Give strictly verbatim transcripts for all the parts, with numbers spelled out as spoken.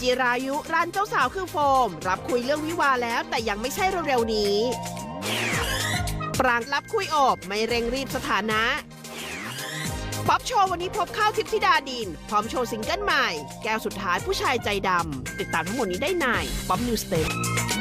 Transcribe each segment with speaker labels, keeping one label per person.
Speaker 1: จิรายุร้านเจ้าสาวคือโฟมรับคุยเรื่องวิวาแล้วแต่ยังไม่ใช่เร็วๆนี้ปรางรับคุยโอบไม่เร่งรีบสถานะป๊อปโชว์วันนี้พบข้าวทิพย์ธิดาดินพร้อมโชว์ซิงเกิลใหม่แก้วสุดท้ายผู้ชายใจดำติดตามทั้งหมดนี้ได้ในป๊อปนิวสเตป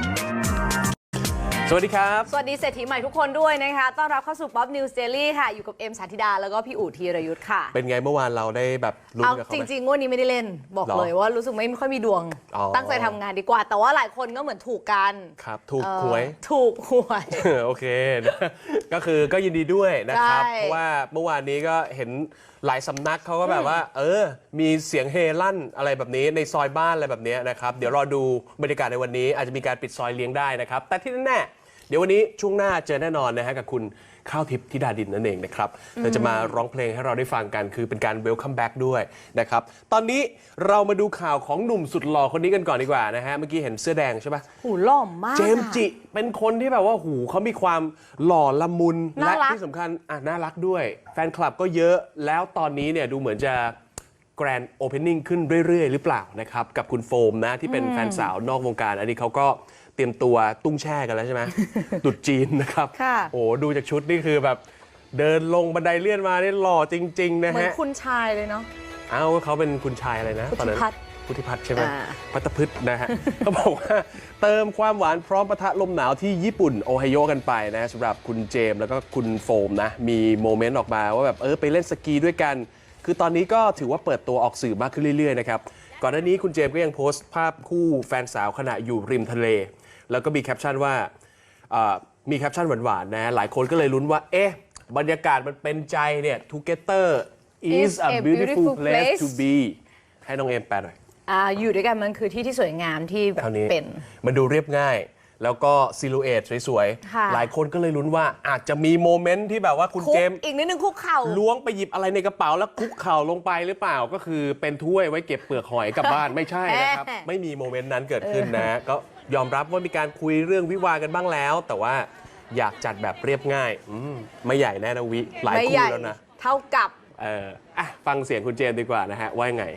Speaker 2: สวัสดีครับ
Speaker 3: สวัสดีเศรษฐีใหม่ทุกคนด้วยนะคะต้อนรับเข้าสู่ Pop News Daily ค่ะอยู่กับเอ็มสาธิดาแล้วก็พี่อู๋ธีรยุทธ์ค่ะ
Speaker 2: เป็นไงเมื่อวานเราได้แบบลุ้นกับเขาไหม
Speaker 3: จริงๆงวดนี้ไม่ได้เล่นบอกเลยว่ารู้สึกไม่ค่อยมีดวงตั้งใจทำงานดีกว่าแต่ว่าหลายคนก็เหมือนถูกกัน
Speaker 2: ครับถูกหวย
Speaker 3: ถูกหวย
Speaker 2: โอเคนะก็คือก็ยินดีด้วยนะครับเพราะว่าเมื่อวานนี้ก็เห็นหลายสำนักเขาก็แบบว่าเออมีเสียงเฮลั่นอะไรแบบนี้ในซอยบ้านอะไรแบบนี้นะครับเดี๋ยวรอดูบรรยากาศในวันนี้อาจจะมีการปิดซอยเลี้ยงได้นะครับแต่ที่แน่เดี๋ยววันนี้ช่วงหน้าเจอแน่นอนนะฮะกับคุณข้าวทิพย์ธิดาดินนั่นเองนะครับเราจะมาร้องเพลงให้เราได้ฟังกันคือเป็นการเวลคัมแบ็กด้วยนะครับตอนนี้เรามาดูข่าวของหนุ่มสุดหล่อคนนี้กันก่อนดีกว่านะฮะเมื่อกี้เห็นเสื้อแดงใช่ปะ
Speaker 3: หูหล่อมาก
Speaker 2: เจมส์จิเป็นคนที่แบบว่าหูเขามีความหล่อละมุนและที่สำคัญอ่ะน่ารักด้วยแฟนคลับก็เยอะแล้วตอนนี้เนี่ยดูเหมือนจะแกรนด์โอเพนนิ่งขึ้นเรื่อยๆหรือเปล่านะครับกับคุณโฟมนะที่เป็นแฟนสาวนอกวงการอันนี้เขาก็เตรียมตัวตุ้งแช่กันแล้วใช่ไหม ตุดจีนนะครับโอ้ดูจากชุดนี่คือแบบเดินลงบันไดเลื่อนมานี่หล่อจริงๆนะฮะเหมื
Speaker 3: อนคุณชายเลยเนาะ
Speaker 2: อ้าวเขาเป็นคุณชายอะไรนะตอนนั้นพุทธิพัฒน์ใช่ไหมพัตพืชนะฮะเขาบอกว่าเติมความหวานพร้อมปะทะลมหนาวที่ญี่ปุ่นโอไฮโอกันไปนะสำหรับคุณเจมส์แล้วก็คุณโฟมนะมีโมเมนต์ออกมาว่าแบบเออไปเล่นสกีด้วยกันคือตอนนี้ก็ถือว่าเปิดตัวออกสื่อมากขึ้นเรื่อยๆนะครับก่อนหน้านี้คุณเจมส์ก็ยังโพสต์ภาพคู่แฟนสาวขณะอยู่ริมทะเลแล้วก็มีแคปชั่นว่ามีแคปชั่นหวานๆนะหลายคนก็เลยลุ้นว่าเอ๊ะบรรยากาศมันเป็นใจเนี่ย Together is a beautiful place to be ให้น้องเอมแปลหน่อย
Speaker 3: อ่าอยู่ด้วยกันมันคือที่ที่สวยงามที่แบบเป็น
Speaker 2: มันดูเรียบง่ายแล้วก็ซิลูเอตสวยๆหลายคนก็เลยลุ้นว่าอาจจะมีโมเมนต์ที่แบบว่าคุณเจมส์
Speaker 3: อีกนิดนึงคุกเข่า
Speaker 2: ล้วงไปหยิบอะไรในกระเป๋าแล้วคุกเข่าลงไปหรือเปล่าก็คือเป็นถ้วยไว้เก็บเปลือกหอยกลับบ้านไม่ใช่นะครับไม่มีโมเมนต์นั้นเกิดขึ้นนะก็ยอมรับว่ามีการคุยเรื่องวิวากันบ้างแล้วแต่ว่าอยากจัดแบบเรียบง่ายไม่ใหญ่แน่นะวิหลายคู่แล้วนะ
Speaker 3: เท่ากับ
Speaker 2: เอออ่ะฟังเสียงคุณเจมส์ดีกว่านะฮะว่าไง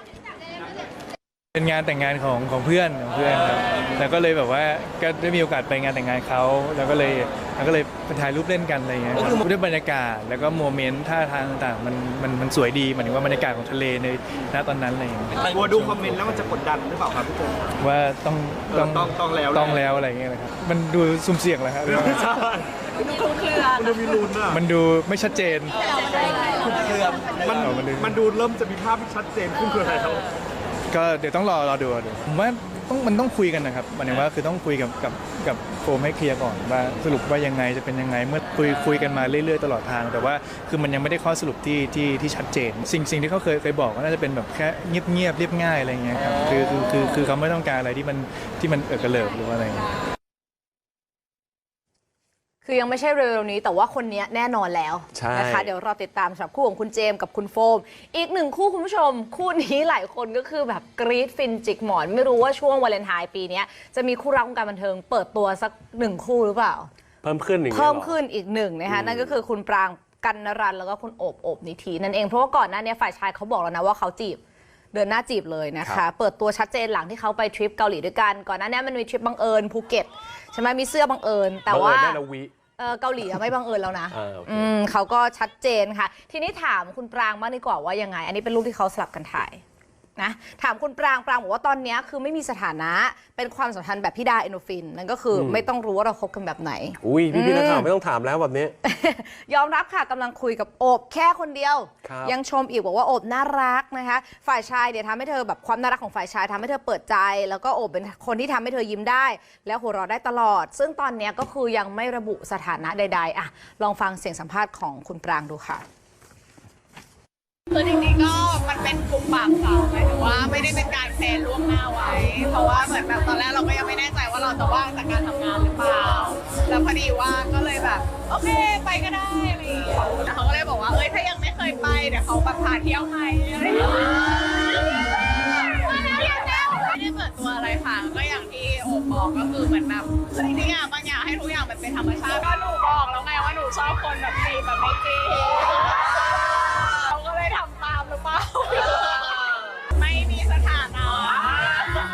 Speaker 4: เป็นงานแต่งงานของของเพื่อนของเพื่อนครับแล้วก็เลยแบบว่าก็ได้มีโอกาสไปงานแต่งงานเขาแล้วก็เลยแล้วก็เลยไปถ่ายรูปเล่นกันอะไรเงี้ยครับด้วยบรรยากาศแล้วก็โมเมนต์ท่าทางต่างๆมันมันมันสวยดีหมายถึงว่าบรรยากาศของทะเลในณตอนนั้นอะไรอย่างเงี้ย
Speaker 5: กลัวดูคอมเมนต์แล้วมันจะกดดันหรือเปล่าครับพี่เจมส์
Speaker 4: ว่าต้อง
Speaker 5: ต้องต้องต้องแล้ว
Speaker 4: ต้องแล้วอะไรเงี้ยนะครับมันดูสุ่มเสี่ยงแหละครับ
Speaker 3: มันดูคลุมเครือ
Speaker 5: มันดูมีลุ้นอ่ะ
Speaker 4: มันดูไม่ชัดเจน
Speaker 5: คลุมเครือมันมันดูเริ่มจะมีภาพที่ชัดเจนขึ้นคืออะไรครับ
Speaker 4: ก็เดี๋ยวต้องรอรอดูดูผมว่าต้องมันต้องคุยกันนะครับหมายถึงว่าคือต้องคุยกับกับกับโฟมให้เคลียร์ก่อนว่าสรุปว่ายังไงจะเป็นยังไงเมื่อคุยคุยกันมาเรื่อยๆตลอดทางแต่ว่าคือมันยังไม่ได้ข้อสรุปที่ที่ที่ชัดเจนสิ่งสิ่งที่เขาเคยเคยบอกว่าน่าจะเป็นแบบแค่เงียบเงียบเรียบง่ายอะไรเงี้ยครับคือคือคือคือเขาไม่ต้องการอะไรที่มันที่มันเอิกกระเลิกหรือว่าอะไร
Speaker 3: คือยังไม่ใช่เร็วๆนี้แต่ว่าคนนี้แน่นอนแล้วนะคะเดี๋ยวรอติดตามสำหรับคู่ของคุณเจมส์กับคุณโฟมอีกหนึ่งคู่คุณผู้ชมคู่นี้หลายคนก็คือแบบกรี๊ดฟินจิกหมอนไม่รู้ว่าช่วงวาเลนไทน์ปีนี้จะมีคู่รักวงการบันเทิงเปิดตัวสักหนึ่งคู่หรือเปล่า
Speaker 2: เพิ่มขึ้นอีก
Speaker 3: เพิ่มขึ้นอีกหนึ่งนะคะนั่นก็คือคุณปรางกันนรันแล้วก็คุณโอบโอบนิธินั่นเองเพราะว่าก่อนหน้านี้ฝ่ายชายเขาบอกแล้วนะว่าเขาจีบเดินหน้าจีบเลยนะคะเปิดตัวชัดเจนหลังที่เขาไปทริปเกาหลีด้วยกันก่อนหน้านี้มันมีทริปบังเอิญภูเก็ตใช่ไหมมีเสื้อบังเอิญแต่ว่าเกาหลีไม่บังเอิญแล้วนะเขาก็ชัดเจนค่ะทีนี้ถามคุณปรางมากดีกว่าว่ายังไงอันนี้เป็นรูปที่เขาสลับกันถ่ายนะถามคุณปรางปรางบอกว่าตอนนี้คือไม่มีสถานะเป็นความสัมพันธ์แบบพี่ดาเอโนฟินนั่นก็คือไม่ต้องรู้ว่าเราคบกันแบบไหน
Speaker 2: อุ้ยพี่พี่นักข่าวไม่ต้องถามแล้วแบบนี้
Speaker 3: ยอมรับค่ะกำลังคุยกับโอบแค่คนเดียวยังชมอีกบอกว่าโอบน่ารักนะคะฝ่ายชายเดี๋ยวทำให้เธอแบบความน่ารักของฝ่ายชายทำให้เธอเปิดใจแล้วก็โอบเป็นคนที่ทำให้เธอยิ้มได้แล้วหัวเราะได้ตลอดซึ่งตอนนี้ก็คือยังไม่ระบุสถานะใดๆอ่ะลองฟังเสียงสัมภาษณ์ของคุณปรางดูค่ะ
Speaker 6: คือจริงๆก็มันเป็นกลุ่มปากสาวหมายถึงว่าไม่ได้เป็นการแพลนล่วงหน้าไว้เพราะว่าเหมือนแบบตอนแรกเราก็ยังไม่แน่ใจว่าเราจะว่างจากการทำงานหรือเปล่าแล้วพอดีว่าก็เลยแบบโอเคไปก็ได้อะไรอย่างเงี้ยแล้วเขาก็เลยบอกว่าเอ้ยถ้ายังไม่เคยไปเดี๋ยวเขาแบบพาเที่ยวให้อะไรอย่างเงี้ยไม่ได้เปิดตัวอะไรค่ะก็อย่างที่โอบอกก็คือเหมือนแบบจริงๆอ่ะบางอย่างให้ทุกอย่างมันเป็นธรรมชาติก็หนูบอกแล้วไงว่าหนูชอบคนแบบจีบแบบไม่จีบเขาก็เลยทำตามหรือเปล่าไม่มีสถานะ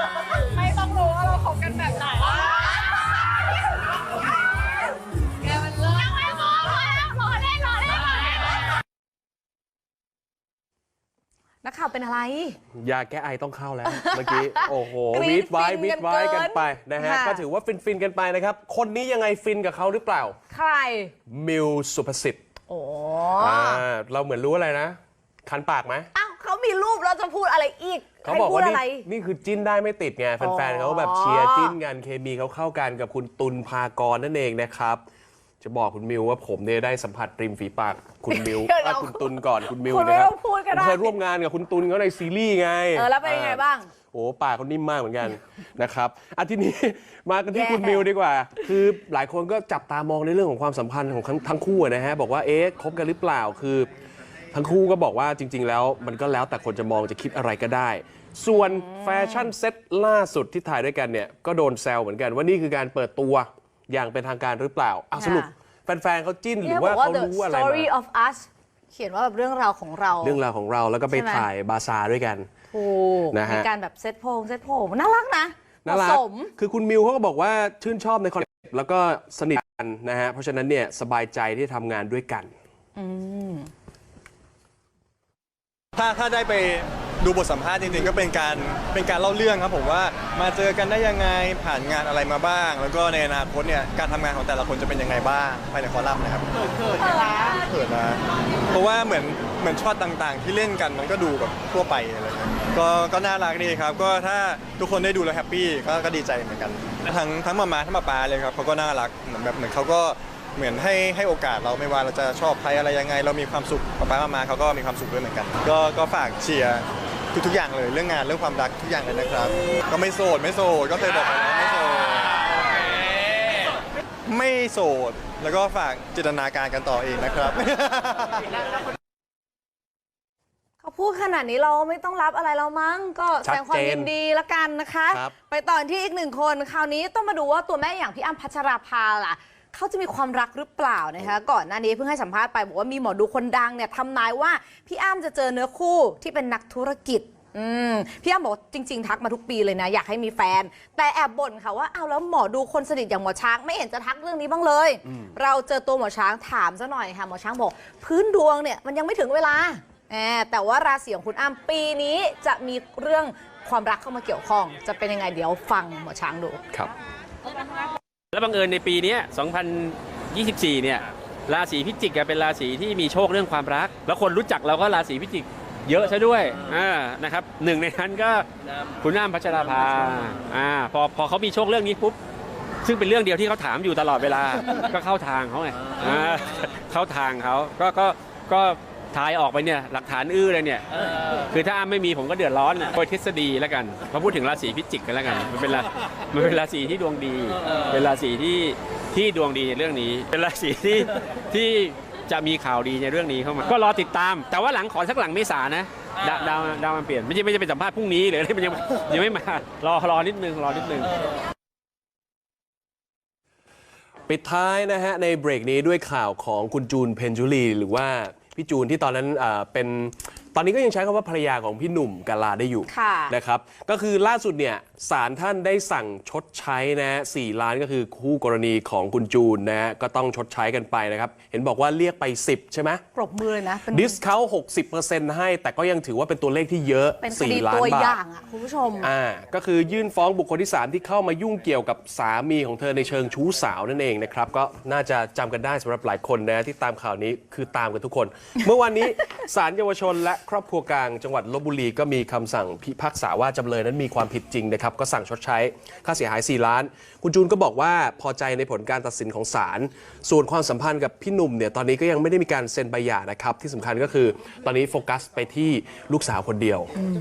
Speaker 3: เป็นอะไร
Speaker 2: ยาแก้ไอต้องเข้าแล้ว เมื่อกี้โอ้โห
Speaker 3: กรี๊
Speaker 2: วี
Speaker 3: ด
Speaker 2: ดไว้
Speaker 3: ฟิน
Speaker 2: วี
Speaker 3: กั
Speaker 2: ด
Speaker 3: น
Speaker 2: ไว้
Speaker 3: เกิน
Speaker 2: กันไปนะฮะ
Speaker 3: ค่ะ
Speaker 2: ก็ถือว่าฟินฟินๆกันไปนะครับคนนี้ยังไงฟินกับเขาหรือเปล่า
Speaker 3: ใคร
Speaker 2: มิวสุภสิทธิ์
Speaker 3: โอ้
Speaker 2: อ่าเราเหมือนรู้อะไรนะ คันปากไหม
Speaker 3: อ้าวเขามีรูปเราจะพูดอะไรอีก
Speaker 2: เขา
Speaker 3: ให้
Speaker 2: บอก
Speaker 3: พูด
Speaker 2: ว่า
Speaker 3: อะไร
Speaker 2: นี่นี่คือจิ้นได้ไม่ติดไงแฟนๆ
Speaker 3: อ๋อ
Speaker 2: เขาแบบเชียร์จิ้นกันเคมีเขาเข้ากันกับคุณตุลภากรนั่นเองนะครับ จะบอกคุณมิวว่าผมเนี่ยได้สัมผัสริมฝีปากคุณมิว
Speaker 3: เดี๋ยว
Speaker 2: อ่ะคุณตุลก่อนคุณมิว
Speaker 3: คุณไม่
Speaker 2: นะครั
Speaker 3: ต้องพูดก็ได้
Speaker 2: ผมเคยร่วมงานกับคุณตุลเขาในซีรีส์ไง
Speaker 3: เออแล้วเป็นยังไงบ้าง
Speaker 2: โอ้ปากเขานิ่มมากเหมือนกัน นะครับอ่ะทีนี้ มากันที่
Speaker 3: แย่
Speaker 2: คุณมิวดีกว่า คือหลายคนก็จับตามองในเรื่องของความสัมพันธ์ของทั้งทั้งคู่นะฮะบอกว่าเอ๊ะคบกันหรือเปล่าคือ ทั้งคู่ก็บอกว่าจริง ๆ แล้วมันก็แล้วแต่คนจะมองจะคิดอะไรก็ได้ ส่วนแฟชั่นเซ็ตล่าสุดที่ถ่ายด้วยกันเนี่ยก็โดนแซวเหมือนกันว่านี่คือการเปิดตัวอย่างเป็นทางการหรือเปล่าอ่ะสรุปแฟนๆเขาจิ้นหรือว่าเขา
Speaker 3: The
Speaker 2: รู้อะไร
Speaker 3: Story
Speaker 2: มา
Speaker 3: of Us เขียนว่าแบบเรื่องราวของเรา
Speaker 2: เรื่องราวของเราแล้วก็ไป
Speaker 3: ใช่ไหม
Speaker 2: ถ่ายบาซาร์ด้วยกัน
Speaker 3: ถูก
Speaker 2: นะฮะ
Speaker 3: มีการแบบเซ็ตโพงเซ็ตโพงน่ารักนะเห
Speaker 2: น่า
Speaker 3: มาะ
Speaker 2: รั
Speaker 3: ส
Speaker 2: ก
Speaker 3: ม
Speaker 2: คือคุณมิวเขาก็บอกว่าชื่นชอบในคอนเซ็ปต์แล้วก็สนิทกันนะฮะเพราะฉะนั้นเนี่ยสบายใจที่ทำงานด้วยกัน
Speaker 4: ถ้าถ้าได้ไปดูบทสัมภาษณ์จริงๆก็เป็นการเป็นการเล่าเรื่องครับผมว่ามาเจอกันได้ยังไงผ่านงานอะไรมาบ้าง แล้วก็ในอนาคตเนี่ยการทำงานของแต่ละคนจะเป็นยังไงบ้างภายในคอลัมน์นะครับเขินเขินนะเขินนะเพราะว่าเหมือนเหมือนช็อตต่างๆ ที่เล่นกันมันก็ดูแบบทั่วไปอะไรเงี้ยก็ก็น่ารักดีครับก็ถ้าทุกคนได้ดูแล้วแฮปปี้ก็ก็ดีใจเหมือนกันทั้งทั้งมามาทั้งมาปาเลยครับเขาก็น่ารักเหมือนแบบเหมือนเขาก็เหมือนให้ให้โอกาสเราไม่ว่าเราจะชอบใครอะไรยังไง เรามีความสุขป้าป้ามามาเขาก็มีความสุขด้วยเหมือนกัน ก็ก็ฝากเชียร์ทุกๆอย่างเลยเรื่องงานเรื่องความรักทุกอย่างเลยนะครับ ก็ไม่โสดไม่โสดก็เคยบอกไปแล้วไม่โสดไม่โสดแล้วก็ฝากจินตนาการกันต่อเองนะครับ
Speaker 3: เขาพูดขนาดนี้เราไม่ต้องรับอะไรแล้วมั้งก็แสดงความยินดีละกันนะคะ
Speaker 2: ครับ
Speaker 3: ไปต่อที่อีกหนึ่งคนคราวนี้ต้องมาดูว่าตัวแม่อย่างพี่อ้ำพัชราภาล่ะเขาจะมีความรักหรือเปล่านะคะก่อนหน้านี้เพิ่งให้สัมภาษณ์ไปบอกว่ามีหมอดูคนดังเนี่ยทำนายว่าพี่อ้ำจะเจอเนื้อคู่ที่เป็นนักธุรกิจอืมพี่อ้ำบอกจริง ๆ ทักมาทุกปีเลยนะอยากให้มีแฟน แต่แอบบ่นค่ะว่าเอาแล้วหมอดูคนสนิทอย่างหมอช้างไม่เห็นจะทักเรื่องนี้บ้างเลย เราเจอตัวหมอช้างถามซะหน่อยค่ะหมอช้างบอกพื้นดวงเนี่ยมันยังไม่ถึงเวลาแอบแต่ว่าราศีของคุณอ้ำปีนี้จะมีเรื่องความรักเข้ามาเกี่ยวข้องจะเป็นยังไงเดี๋ยวฟังหมอช้างดู
Speaker 2: ครับ
Speaker 7: และบังเอิญในปีนี้สองพันยี่สิบสี่ เนี่ยราศีพิจิกเป็นราศีที่มีโชคเรื่องความรัก แล้วคนรู้จักเราก็ราศีพิจิกเยอะซะด้วยอ่านะครับหนึ่งในนั้นก็คุณอ้ำพัชราภาอ่าพอพอเขามีโชคเรื่องนี้ปุ๊บซึ่งเป็นเรื่องเดียวที่เขาถามอยู่ตลอดเวลา ก็เข้าทางเขาไงอ่าเข้าทางเขาก็ก็ก็ทายออกไปเนี่ยหลักฐานอื้อเลยเนี่ยคือถ้าอ้ำไม่มีผมก็เดือดร้อนโดยทฤษฎีแล้วกันพอพูดถึงราศีพิจิกกันแล้วกันมันเป็นรามันเป็นราศีที่ดวงดีเป็นราศีที่ที่ดวงดีในเรื่องนี้ เป็นราศีที่ที่จะมีข่าวดีในเรื่องนี้เข้ามาก็รอติดตาม แต่ว่าหลังขอสักหลังเมษานะดาวดาวดาวมันเปลี่ยนไม่ใช่ไม่ใช่เป็นสัมภาษณ์พรุ่งนี้หรืออะไรมันยังยังไม่มารอรอนิดนึงรอนิดนึง
Speaker 2: ปิดท้ายนะฮะในเบรกนี้ด้วยข่าวของคุณจูนเพ็ญจุลีหรือว่าพี่จูนที่ตอนนั้นเอ่อเป็นตอนนี้ก็ยังใช้คำว่าภรรยาของพี่หนุ่มกาลาได้อยู่
Speaker 3: ค่ะ
Speaker 2: นะครับก็คือล่าสุดเนี่ยศาลท่านได้สั่งชดใช้นะฮะสี่ล้านก็คือคู่กรณีของคุณจูนนะฮะก็ต้องชดใช้กันไปนะครับเห็นบอกว่าเรียกไปสิบใช่ไหม
Speaker 3: ปรบมือเลยนะเป็น
Speaker 2: ดิสเขาหกสิบเปอร์เซ็นต์ให้แต่ก็ยังถือว่าเป็นตัวเลขที่เยอะ
Speaker 3: เป็นค
Speaker 2: สี่
Speaker 3: ดี
Speaker 2: ล้าน
Speaker 3: ตัว
Speaker 2: บา
Speaker 3: อ
Speaker 2: ท
Speaker 3: ย่างอ่ะคุณผู้ชม
Speaker 2: อ่าก็คือยื่นฟ้องบุคคลที่สามที่เข้ามายุ่งเกี่ยวกับสามีของเธอในเชิงชู้สาวนั่นเองนะครับก็น่าจะจำกันได้สำหรับหลายคนนะที่ตามข่าวนี้คือตามกันทุกคน เมื่อวันนี้ศาลเยาวชนและครอบครัวกลางจังหวัดลพบุรีก็มีคำสั่งพิพากษาว่าจำเลยนั้นมีความผิดจริงนะครับก็สั่งชดใช้ค่าเสียหายสี่ล้านคุณจูนก็บอกว่าพอใจในผลการตัดสินของศาลส่วนความสัมพันธ์กับพี่หนุ่มเนี่ยตอนนี้ก็ยังไม่ได้มีการเซ็นใบหย่านะครับที่สำคัญก็คือตอนนี้โฟกัสไปที่ลูกสาวคนเดียว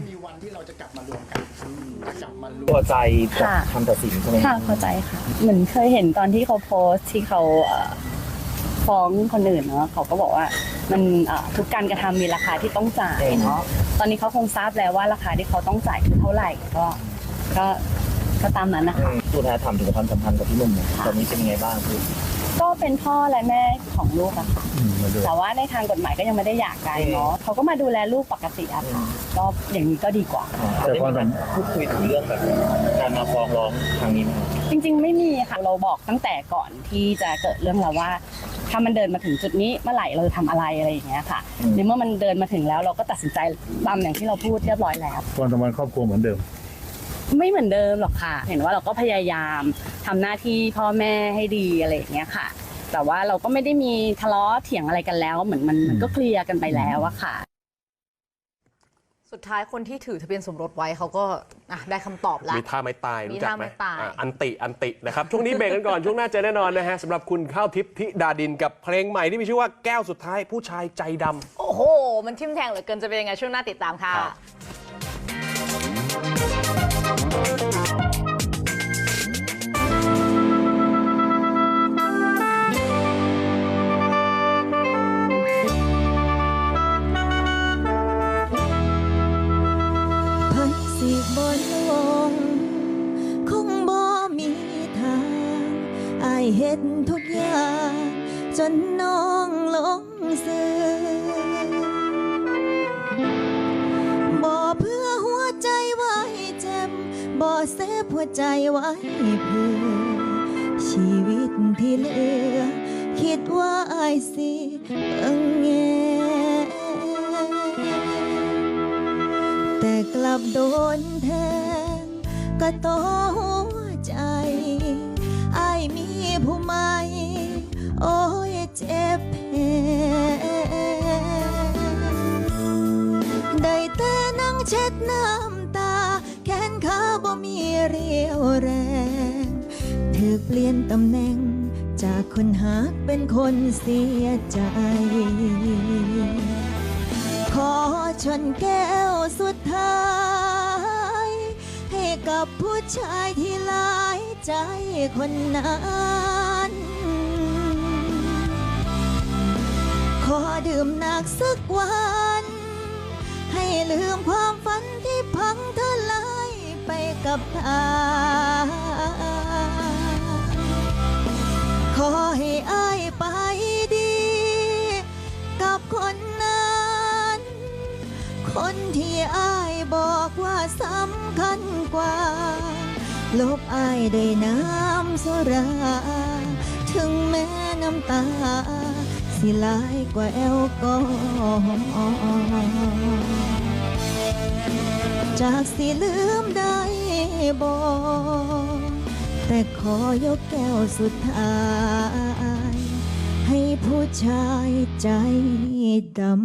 Speaker 8: พอใจกับคำตัดสินใช่ไหม
Speaker 9: ค่ะเข้าใจค่ะเหมือนเคยเห็นตอนที่เขาโพสต์ที่เขาเอ่อฟ้องคนอื่นเนาะเขาก็บอกว่ามันเอ่อทุกการกระทำมีราคาที่ต้องจ่ายเนาะตอนนี้เขาคงทราบแล้วว่าราคาที่เขาต้องจ่ายคือเท่าไหร่ก็ก็ก็ตามนั้นนะคะ
Speaker 8: ตัวแทนถามถึงความสัมพันธ์กับพี่หนุ่มตอนนี้เป็นยังไงบ้างคือ
Speaker 9: ก็เป็นพ่อและแม่ของลูกอะค่ะแต่ว่าในทางกฎหมายก็ยังไม่ได้หย่ากันเนาะเขาก็มาดูแลลูกปกติอะค่ะก็อย่างนี้ก็ดีกว่า
Speaker 8: แต่ความสัมพันธ์พูดคุยถึงเรื่องแบบการมาฟ้องร้องครั้งนี้ไหม
Speaker 9: จริงๆไม่มีค่ะเราบอกตั้งแต่ก่อนที่จะเกิดเรื่องแล้วว่าถ้ามันเดินมาถึงจุดนี้เมื่อไหร่เราจะทำอะไรอะไรอย่างเงี้ยค่ะในเมื่อมันเดินมาถึงแล้วเราก็ตัดสินใจตามอย่างที่เราพูดเรียบร้อยแล้ว
Speaker 8: ความสัมพันธ์ครอบครัวเหมือนเดิม
Speaker 9: ไม่เหมือนเดิมหรอกค่ะเห็นว่าเราก็พยายามทำหน้าที่พ่อแม่ให้ดีอะไรอย่างเงี้ยค่ะแต่ว่าเราก็ไม่ได้มีทะเลาะเถียงอะไรกันแล้วเหมือนมันมันก็เคลียร์กันไปแล้วอะค่ะ
Speaker 3: สุดท้ายคนที่ถือทะเบียนสมรสไว้เขาก็ได้คำตอบแล้ว
Speaker 2: มีท่าไม้ตายรู้จักไหม
Speaker 3: มีท่าไม้ตาย
Speaker 2: อันติอันตินะครับช่วงนี้เบรกกันก่อน ช่วงหน้าเจอแน่นอนนะฮะสำหรับคุณข้าวทิพย์ธิดาดินกับเพลงใหม่ที่มีชื่อว่าแก้วสุดท้ายผู้ชายใจดำ
Speaker 3: โอ้โหมันทิ่มแทงเหลือเกินจะเป็นยังไงช่วงหน้าติดตามค่ะ
Speaker 10: บ่ลงคงบ่มีทางอ้ายเฮ็ดทุกอย่างจนน้องหลงซื้อบ่เพื่อหัวใจไว้เจ็บบ่เซฟหัวใจไว้เพื่อชีวิตที่เหลือคิดว่าอ้ายสิเบิ่งแย่แต่กลับโดนแทงก็ต่อหัวใจอ้ายมีผู้ใหม่โอ้ยเจ็บแผลได้แต่นั่งเช็ดน้ำตาแขนขาบ่มีเรี่ยวแรงถูกเปลี่ยนตำแหน่งจากคนหักเป็นคนเสียใจขอชนแก้วสุดท้ายให้กับผู้ชายที่หลายใจคนนั้นขอดื่มหนักสักวันให้ลืมความฝันที่พังทลายไปกับทางขอให้อ้ายไปดีกับคนนั้นคนที่อ้ายบอกว่าสำคัญกว่าลบอ้ายได้น้ำสุราถึงแม้น้ำตาสิหลายกว่าแอลกอฮอล์จากสิลืมได้บ่แต่ขอยกแก้วสุดท้ายให้ผู้ชายใจดำ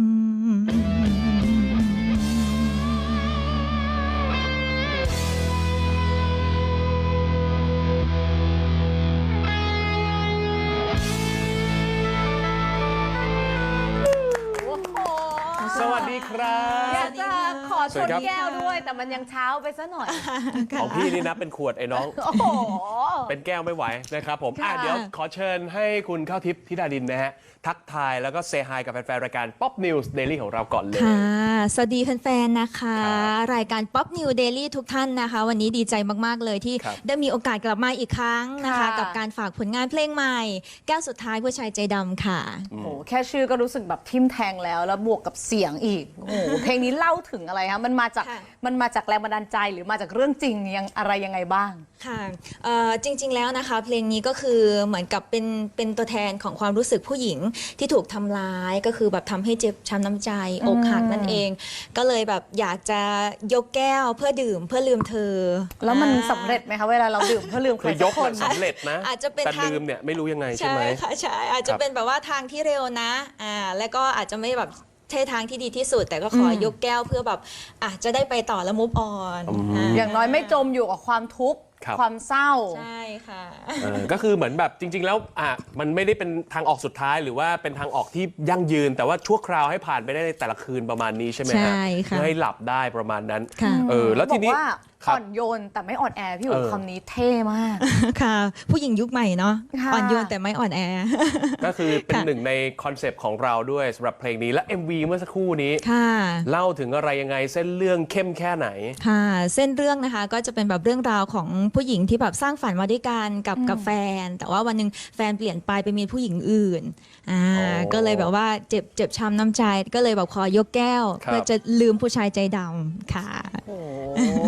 Speaker 2: สวัสดีครับ
Speaker 3: อยากจะขอชนแก้วด้วยแต่มันยังเช้าไปซะหน่อย
Speaker 2: ของพี่นี่นะเป็นขวดไอ้น้องโอ้โหเป็นแก้วไม่ไหวนะครับผมอ่ะเดี๋ยวขอเชิญให้คุณข้าวทิพย์ธิดาดินนะฮะทักทายแล้วก็เซฮายกับแฟนๆรายการ Pop News Daily ของเราก่อนเลย
Speaker 10: ค่ะสวัสดีแฟนๆนะคะรายการ Pop News Daily ทุกท่านนะคะวันนี้ดีใจมากๆเลยที่ได้มีโอกาสกลับมาอีกครั้งนะคะกับการฝากผลงานเพลงใหม่แก้วสุดท้ายผู้ชายใจดำค่ะ
Speaker 3: โอ้โหแค่ชื่อก็รู้สึกแบบทิ่มแทงแล้วแล้วบวกกับเสียงอีกโอ้โหเพลงนี้เล่าถึงอะไรคะมันมาจากมันมาจากแรงบันดาลใจหรือมาจากเรื่องจริงยังอะไรยังไงบ้าง
Speaker 10: ค่ะจริงๆแล้วนะคะเพลงนี้ก็คือเหมือนกับเป็นเป็นตัวแทนของความรู้สึกผู้หญิงที่ถูกทำร้ายก็คือแบบทำให้เจ็บช้ำน้ำใจอกหักนั่นเองก็เลยแบบอยากจะยกแก้วเพื่อดื่มเพื่อลืมเธอ
Speaker 3: แล้วมันสำเร็จไหมคะเวลาเราดื่มเพื่อลืมใครสักคน
Speaker 2: สำเร็จนะอาจจะเป็นแต่ลืมเนี่ยไม่รู้ยังไงใช่ไหม
Speaker 10: ใช่ค่ะใช่อาจจะเป็นแบบว่าทางที่เร็วนะอ่าแล้วก็อาจจะไม่แบบใช่ทางที่ดีที่สุดแต่ก็ขอยกแก้วเพื่อแบบอ่ะจะได้ไปต่อแล้วมูฟออน
Speaker 3: อย่างน้อยไม่จมอยู่กับความทุกข์ความเศร้า
Speaker 10: ใช่ค่ะ
Speaker 2: ก็คือเหมือนแบบจริงๆแล้วอ่ะมันไม่ได้เป็นทางออกสุดท้ายหรือว่าเป็นทางออกที่ยั่งยืนแต่ว่าชั่วคราวให้ผ่านไปได้ในแต่ละคืนประมาณนี้ใช่ไหมฮะเพื่อให้หลับได้ประมาณนั้นเออแล้วทีนี้
Speaker 3: อ่อนโยนแต่ไม่อ่อนแอพี่อยู่คำนี้เท่มาก
Speaker 10: ค่ะผู้หญิงยุคใหม่เนาะอ่อนโยนแต่ไม่อ่อนแอ
Speaker 2: ก็คือเป็นหนึ่งในคอนเซปต์ของเราด้วยสำหรับเพลงนี้และ เอ็ม วี เมื่อสักครู่นี้เล่าถึงอะไรยังไงเส้นเรื่องเข้มแค่ไหน
Speaker 10: ค่ะเส้นเรื่องนะคะก็จะเป็นแบบเรื่องราวของผู้หญิงที่แบบสร้างฝันมาด้วยกันกับกับแฟนแต่ว่าวันนึงแฟนเปลี่ยนไปไปมีผู้หญิงอื่นอ่าก็เลยแบบว่าเจ็บเจ็บช้ำน้ำใจก็เลยแบบขอยกแก้วเพื่อจะลืมผู้ชายใจดำค่ะ
Speaker 3: โอ้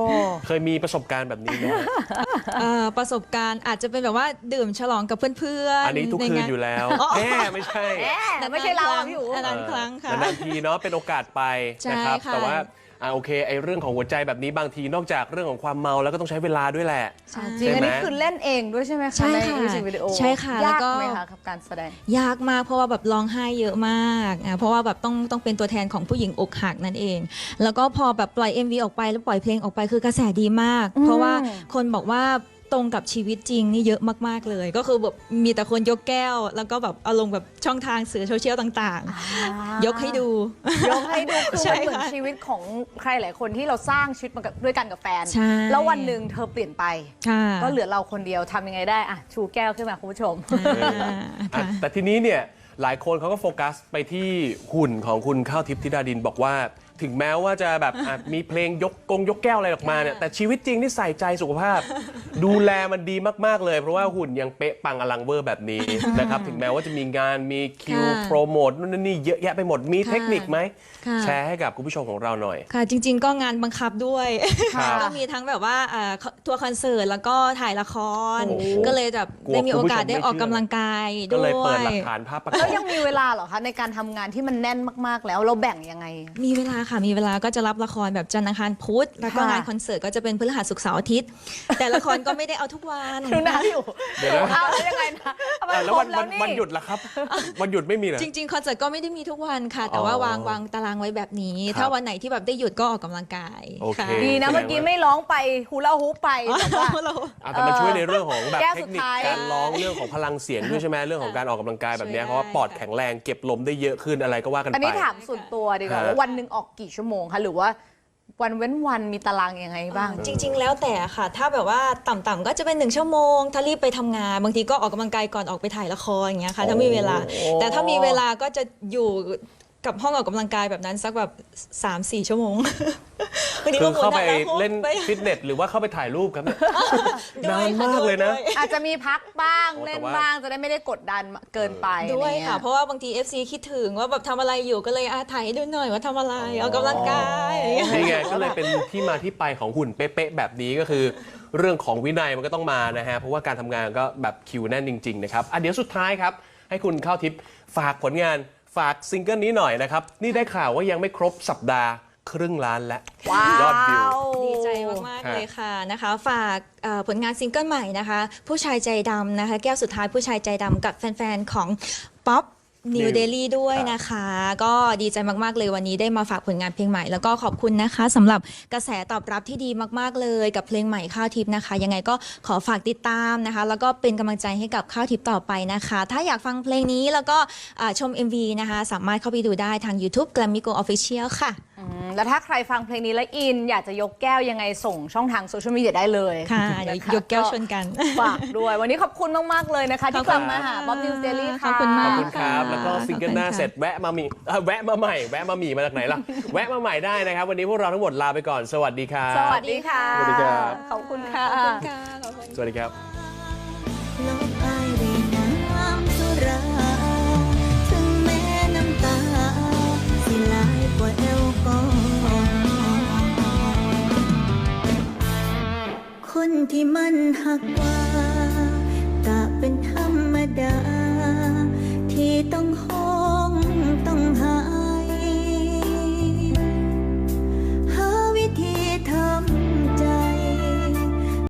Speaker 2: เคยมีประสบการณ์แบบนี้ไหม
Speaker 11: เอ่อประสบการณ์อาจจะเป็นแบบว่าดื่มฉลองกับเพื่อนๆ
Speaker 2: อันนี้ทุกคืนอยู่แล้วแหมไม่ใช่
Speaker 3: แต่ไม่ใช่เราอะพี่อู๋
Speaker 11: นานๆครั้งค่ะ
Speaker 2: นานๆทีเนาะเป็นโอกาสไปนะครับ
Speaker 11: ใช่ค่ะ
Speaker 2: แต่ว่าอ่าโอเคไอ้เรื่องของหัวใจแบบนี้บางทีนอกจากเรื่องของความเมาแล้วก็ต้องใช้เวลาด้วยแหละ
Speaker 3: จริงอันนี้คือเล่นเองด้วยใช่ไหมคะ
Speaker 11: ใช่ค่ะ
Speaker 3: มิวสิกวิดีโอ
Speaker 11: ใช่ค่ะแล้ว
Speaker 3: ยาก
Speaker 11: ก็
Speaker 3: ไหมคะกับการแสดง
Speaker 11: ยากมากเพราะว่าแบบร้องไห้เยอะมากอ่ะเพราะว่าแบบต้องต้องเป็นตัวแทนของผู้หญิงอกหักนั่นเอง แล้วก็พอแบบปล่อย เอ็ม วี ออกไปแล้วปล่อยเพลงออกไปคือกระแสดีมาก
Speaker 3: อืม
Speaker 11: เพราะว่าคนบอกว่าตรงกับชีวิตจริงนี่เยอะมากๆเลย ก็คือแบบมีแต่คนยกแก้ว แล้วก็แบบเอาลงแบบช่องทางสื่อโซเชียลต่างๆ ยกให้ดู
Speaker 3: ยกให้ดูคือ
Speaker 11: ใช่
Speaker 3: มันเหมือน
Speaker 11: ค่ะ
Speaker 3: ชีวิตของใครหลายคนที่เราสร้างชีวิตมากับด้วยกันกับแฟน
Speaker 11: ใช่
Speaker 3: แล้ววันหนึ่งเธอเปลี่ยนไป
Speaker 11: ค่ะ
Speaker 3: ก็เหลือเราคนเดียวทำยังไงได้อะชูแก้วขึ้นมาคุณผู้ชม
Speaker 11: อ่า
Speaker 2: อ่ะ
Speaker 11: ค่ะ
Speaker 2: แต่ทีนี้เนี่ยหลายคนเขาก็โฟกัสไปที่หุ่นของคุณข้าวทิพย์ธิดาดินบอกว่า ถึงแม้ว่าจะแบบอ่ะมีเพลงยกกงยกแก้วอะไรออกมาเนี่ยแต่ชีวิตจริงนี่ใส่ใจสุขภาพ ดูแลมันดีมากๆเลย เพราะว่าหุ่นยังเป๊ะปังอลังเวอร์แบบนี้นะครับถึงแม้ว่าจะมีงานมีคิว
Speaker 11: ค่ะ
Speaker 2: โปรโมทนู่นนี่เยอะแยะไปหมดมีเทคนิคไหม
Speaker 11: ค่ะ
Speaker 2: แชร์ให้กับคุณผู้ชมของเราหน่อย
Speaker 11: ค่ะจริง ๆ ก็งานบังคับด้วย
Speaker 2: ครับ
Speaker 11: ก็มีทั้งแบบว่าเอ่อทัวร์คอนเสิร์ตแล้วก็ถ่ายละคร
Speaker 2: โอ้โห
Speaker 11: ก็เลยแบบ
Speaker 2: กลัว
Speaker 11: ได้มีโอกาส
Speaker 2: คุณผู้ชมไม่
Speaker 11: ได้ออก
Speaker 2: เชื่อ
Speaker 11: กำลังกาย
Speaker 2: ก็
Speaker 11: ด้
Speaker 2: เลยเปิ
Speaker 11: ว
Speaker 2: ดหลั
Speaker 11: ย
Speaker 2: กฐานภาพประก
Speaker 3: แล้
Speaker 2: อ
Speaker 3: ว
Speaker 2: บ
Speaker 3: ยังมีเวลาเหรอคะในการทำงานที่มันแน่นมากๆ แล้วเราแบ่งยังไง
Speaker 11: มีเวลาค่ะมีเวลาก็จะรับละครแบบจันทร์อังคารพุธแล้วก็
Speaker 3: ค่ะ
Speaker 11: งานคอนเสิร์ตก็จะเป็นพฤหัสศุกร์เสาร์อาทิตย์ แต่ละครก็ไม่ได้เอาทุกวัน
Speaker 3: ดูนะอยู่
Speaker 2: เดี๋ยวนะ
Speaker 3: เอาแล้วยังไงนะเอาไป
Speaker 2: อ่ะ
Speaker 3: ค
Speaker 2: แล้ว
Speaker 3: ร
Speaker 2: วั
Speaker 3: บ
Speaker 2: น
Speaker 3: แล้
Speaker 2: วั
Speaker 3: วน นี่
Speaker 2: วันหยุดล่ะครับ วันหยุดไม่มีเหรอ
Speaker 11: จริง ๆ คอนเสิร์ตก็ไม่ได้มีทุกวันค่ะ แต่ว่า
Speaker 2: อ๋อ
Speaker 11: วางวางตารางไว้แบบนี้
Speaker 2: ครับ
Speaker 11: ถ้าวันไหนที่แบบได้หยุดก็ออกกำลังกาย
Speaker 2: โอเค
Speaker 11: ค่ะ
Speaker 3: ดีนะเมื่อกี้ไม่ร้องไปฮูลาฮูปไปแบบว่า
Speaker 2: อ่ะแต่มันช่วยในเรื่องของแบบ
Speaker 3: แก้ว
Speaker 2: เท
Speaker 3: สุ
Speaker 2: ค
Speaker 3: ด
Speaker 2: นิค
Speaker 3: ท้าย
Speaker 2: การร้องเรื่องของพลังเสียงด้วยใช่ไหมเรื่องของการออกกำลังกายแบบเนี้ย
Speaker 11: ช่วยได้
Speaker 2: เพราะว่าปอดแข็งแรงเก็บลมได้เยอะขึ้นอะไรก็ว่ากันไป
Speaker 3: อันนี้ถามส่วนตัวดีกว่า
Speaker 2: ฮะ
Speaker 3: ว่าวันหนึ่งออกกี่ชั่วโมงคะหรือว่าวันเว้นวันมีตารางยังไงบ้าง
Speaker 11: จริง ๆ แล้วแต่ค่ะ ถ้าแบบว่าต่ำๆก็จะเป็นหนึ่งชั่วโมง ถ้ารีบไปทำงาน บางทีก็ออกกำลังกายก่อนออกไปถ่ายละครอย่างเงี้ยค่ะ ถ้ามีเวลา แต่ถ้ามีเวลาก็จะอยู่กับห้องออกกำลังกายแบบนั้นสักแบบ สามสี่ ชั่วโมงบางที
Speaker 2: คื
Speaker 11: ก็
Speaker 2: อ
Speaker 11: หมุน
Speaker 2: เข้าไป
Speaker 11: หน้าหลัง
Speaker 2: เล่น
Speaker 11: ไป
Speaker 2: ฟิตเนสหรือว่าเข้าไปถ่ายรูปครับเนี่ย
Speaker 11: ด้วย
Speaker 2: นาน
Speaker 11: ค่ะ
Speaker 2: มากเลยนะ
Speaker 11: ด้วย
Speaker 3: อาจจะมีพักบ้าง
Speaker 2: โอ้แต่
Speaker 3: เล่น
Speaker 2: ว่า
Speaker 3: บ้างจะได้ไม่ได้กดดันเกินไป
Speaker 11: ด้วย
Speaker 3: อไรเงี้
Speaker 11: ค่ะ เพราะว่าบางที เอฟ ซี คิดถึงว่าแบบทำอะไรอยู่ก็เลยอ่ะถ่ายให้ดูหน่อยว่าทำอะไรออกกำลังกายอย่างเงี้ย
Speaker 2: นี่ไงก็เลยเป็นที่มาที่ไปของหุ่นเป๊ะๆแบบนี้ก็คือ เรื่องของวินัยมันก็ต้องมานะฮะเพราะว่าการทำงานก็แบบคิวแน่นจริง ๆ นะครับอ่ะเดี๋ยวสุดท้ายครับ ให้คุณข้าวทิพย์ฝากผลงานฝากซิงเกิลนี้หน่อยนะครับ นี่ได้ข่าวว่ายังไม่ครบสัปดาห์ครึ่งล้านแล้ว
Speaker 3: ว้าวย
Speaker 2: อดวิว
Speaker 11: ดีใจมาก ๆ เลยค่ะนะคะ ฝากเอ่อผลงานซิงเกิลใหม่นะคะ ผู้ชายใจดำนะคะ แก้วสุดท้ายผู้ชายใจดำกับแฟน ๆ ของป๊อปนิว
Speaker 2: New
Speaker 11: เดลี่ด้วยนะคะ ก็ดีใจมาก ๆ เลยวันนี้ได้มาฝากผลงานเพลงใหม่ แล้วก็ขอบคุณนะคะสำหรับกระแสตอบรับที่ดีมาก ๆ เลยกับเพลงใหม่ข้าวทิพย์นะคะ ยังไงก็ขอฝากติดตามนะคะ แล้วก็เป็นกำลังใจให้กับข้าวทิพย์ต่อไปนะคะ ถ้าอยากฟังเพลงนี้แล้วก็อ่าชม เอ็ม วี นะคะ สามารถเข้าไปดูได้ทาง YouTube Grammy Go Official ค่ะ
Speaker 3: อืมแล้วถ้าใครฟังเพลงนี้แล้วอิน อยากจะยกแก้วยังไงส่งช่องทางโซเชียลมีเดียได้เลย
Speaker 11: ค่ะเดี๋ยวยกแก้วชนกัน
Speaker 3: ฝากด้วย วันนี้ขอบคุณมาก ๆ เลยนะคะ ที่กลับมาหาบ๊อบนิวส์เดลี่ค่ะ
Speaker 11: ขอบคุณ
Speaker 2: ข
Speaker 11: มา
Speaker 2: อบ
Speaker 11: ก
Speaker 2: คุณครับ แล้วก็ซิงเกิลหน้าเสร็จแวะมามีเอ่อแวะมาใหม่ แวะมาหมีมาจากไหนล่ะ แวะมาใหม่ได้นะครับ วันนี้พวกเราทั้งหมดลาไปก่อน สวัสดีครับ
Speaker 3: สวัสดีค่ะ
Speaker 2: สวัสดีครับ
Speaker 3: ขอบคุณค่ะ
Speaker 2: สวัสดีครับ
Speaker 10: ลบอายด้วยน้ำสุรา ถึงแม้น้ำตา สิไหลกว่าแอลกอฮอล์คนที่มันหักกว่า